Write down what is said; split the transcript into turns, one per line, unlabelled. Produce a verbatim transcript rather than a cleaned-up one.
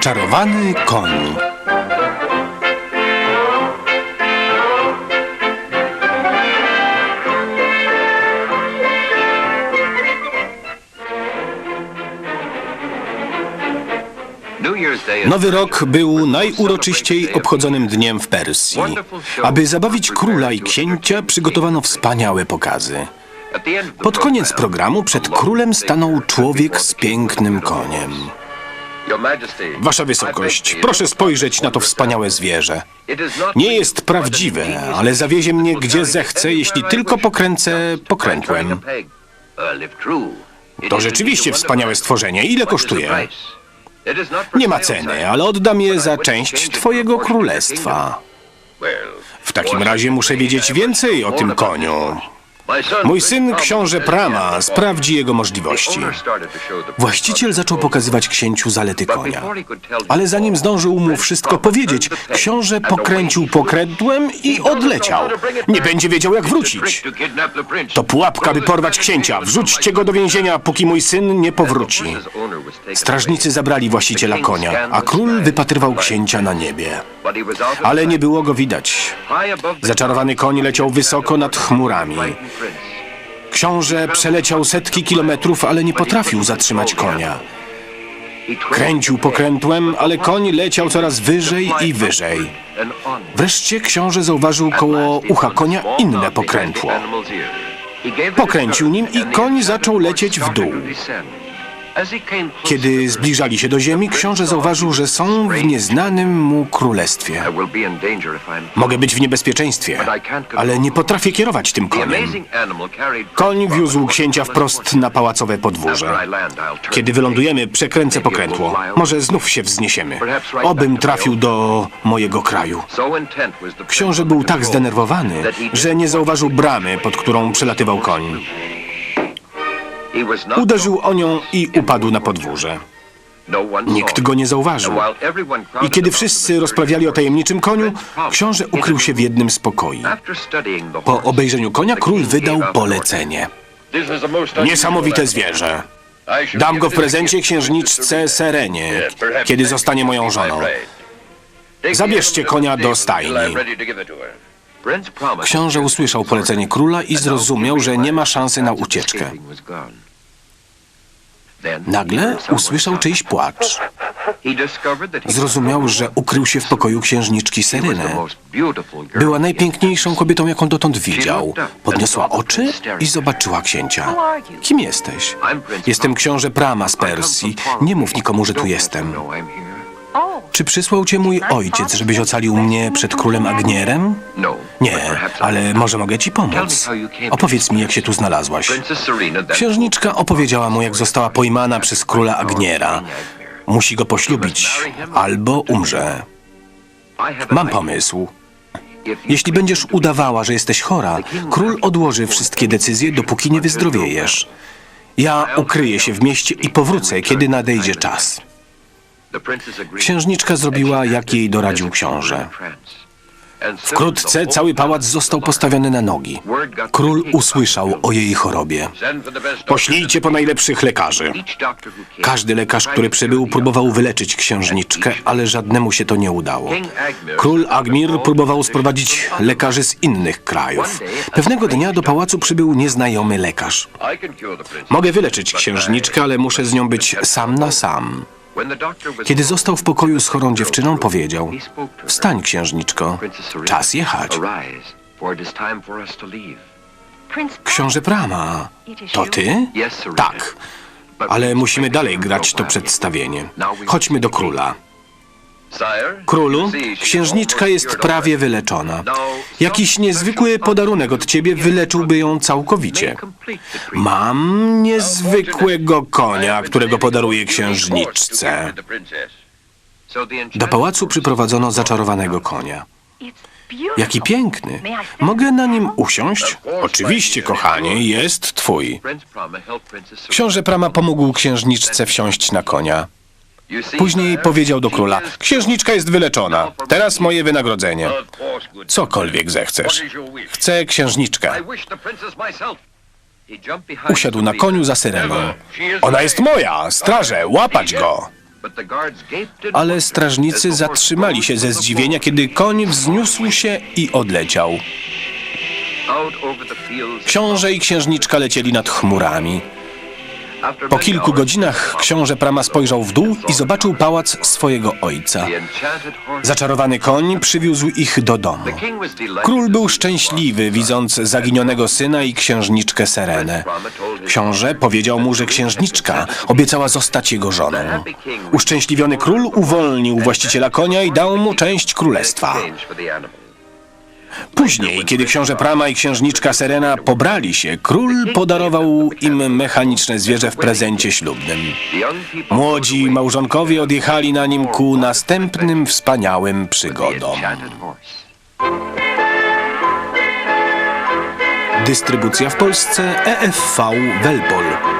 Zaczarowany koń. Nowy rok był najuroczyściej obchodzonym dniem w Persji. Aby zabawić króla i księcia, przygotowano wspaniałe pokazy. Pod koniec programu przed królem stanął człowiek z pięknym koniem. Wasza wysokość, proszę spojrzeć na to wspaniałe zwierzę. Nie jest prawdziwe, ale zawiezie mnie gdzie zechce, jeśli tylko pokręcę pokrętłem. To rzeczywiście wspaniałe stworzenie. Ile kosztuje? Nie ma ceny, ale oddam je za część twojego królestwa. W takim razie muszę wiedzieć więcej o tym koniu. Mój syn, książę Prama, sprawdzi jego możliwości. Właściciel zaczął pokazywać księciu zalety konia. Ale zanim zdążył mu wszystko powiedzieć, książę pokręcił pokrętłem i odleciał. Nie będzie wiedział, jak wrócić. To pułapka, by porwać księcia. Wrzućcie go do więzienia, póki mój syn nie powróci. Strażnicy zabrali właściciela konia, a król wypatrywał księcia na niebie. Ale nie było go widać. Zaczarowany koń leciał wysoko nad chmurami. Książę przeleciał setki kilometrów, ale nie potrafił zatrzymać konia. Kręcił pokrętłem, ale koń leciał coraz wyżej i wyżej. Wreszcie książę zauważył koło ucha konia inne pokrętło. Pokręcił nim i koń zaczął lecieć w dół. Kiedy zbliżali się do ziemi, książę zauważył, że są w nieznanym mu królestwie. Mogę być w niebezpieczeństwie, ale nie potrafię kierować tym koniem. Koń wiózł księcia wprost na pałacowe podwórze. Kiedy wylądujemy, przekręcę pokrętło. Może znów się wzniesiemy. Obym trafił do mojego kraju. Książę był tak zdenerwowany, że nie zauważył bramy, pod którą przelatywał koń. Uderzył o nią i upadł na podwórze. Nikt go nie zauważył. I kiedy wszyscy rozprawiali o tajemniczym koniu, książę ukrył się w jednym z pokoi. Po obejrzeniu konia król wydał polecenie. Niesamowite zwierzę. Dam go w prezencie księżniczce Serenie, kiedy zostanie moją żoną. Zabierzcie konia do stajni. Książę usłyszał polecenie króla i zrozumiał, że nie ma szansy na ucieczkę. Nagle usłyszał czyjś płacz. Zrozumiał, że ukrył się w pokoju księżniczki Sereny. Była najpiękniejszą kobietą, jaką dotąd widział. Podniosła oczy i zobaczyła księcia. Kim jesteś? Jestem książę Prama z Persji. Nie mów nikomu, że tu jestem. Czy przysłał cię mój ojciec, żebyś ocalił mnie przed królem Agnierem? Nie, ale może mogę ci pomóc. Opowiedz mi, jak się tu znalazłaś. Księżniczka opowiedziała mu, jak została pojmana przez króla Agniera. Musi go poślubić, albo umrze. Mam pomysł. Jeśli będziesz udawała, że jesteś chora, król odłoży wszystkie decyzje, dopóki nie wyzdrowiejesz. Ja ukryję się w mieście i powrócę, kiedy nadejdzie czas. Księżniczka zrobiła, jak jej doradził książę. Wkrótce cały pałac został postawiony na nogi. Król usłyszał o jej chorobie. Poślijcie po najlepszych lekarzy. Każdy lekarz, który przybył, próbował wyleczyć księżniczkę, ale żadnemu się to nie udało. Król Agmir próbował sprowadzić lekarzy z innych krajów. Pewnego dnia do pałacu przybył nieznajomy lekarz. Mogę wyleczyć księżniczkę, ale muszę z nią być sam na sam. Kiedy został w pokoju z chorą dziewczyną, powiedział: wstań, księżniczko, czas jechać. Książę Prama, to ty? Tak, ale musimy dalej grać to przedstawienie. Chodźmy do króla. Królu, księżniczka jest prawie wyleczona. Jakiś niezwykły podarunek od ciebie wyleczyłby ją całkowicie. Mam niezwykłego konia, którego podaruję księżniczce. Do pałacu przyprowadzono zaczarowanego konia. Jaki piękny. Mogę na nim usiąść? Oczywiście, kochanie, jest twój. Książę Prama pomógł księżniczce wsiąść na konia. Później powiedział do króla: księżniczka jest wyleczona. Teraz moje wynagrodzenie. Cokolwiek zechcesz. Chcę księżniczkę. Usiadł na koniu za Syreną. Ona jest moja! Straże, łapać go! Ale strażnicy zatrzymali się ze zdziwienia, kiedy koń wzniósł się i odleciał. Książę i księżniczka lecieli nad chmurami. Po kilku godzinach książę Prama spojrzał w dół i zobaczył pałac swojego ojca. Zaczarowany koń przywiózł ich do domu. Król był szczęśliwy, widząc zaginionego syna i księżniczkę Serenę. Książę powiedział mu, że księżniczka obiecała zostać jego żoną. Uszczęśliwiony król uwolnił właściciela konia i dał mu część królestwa. Później, kiedy książę Prama i księżniczka Serena pobrali się, król podarował im mechaniczne zwierzę w prezencie ślubnym. Młodzi małżonkowie odjechali na nim ku następnym wspaniałym przygodom. Dystrybucja w Polsce E F V Welpol.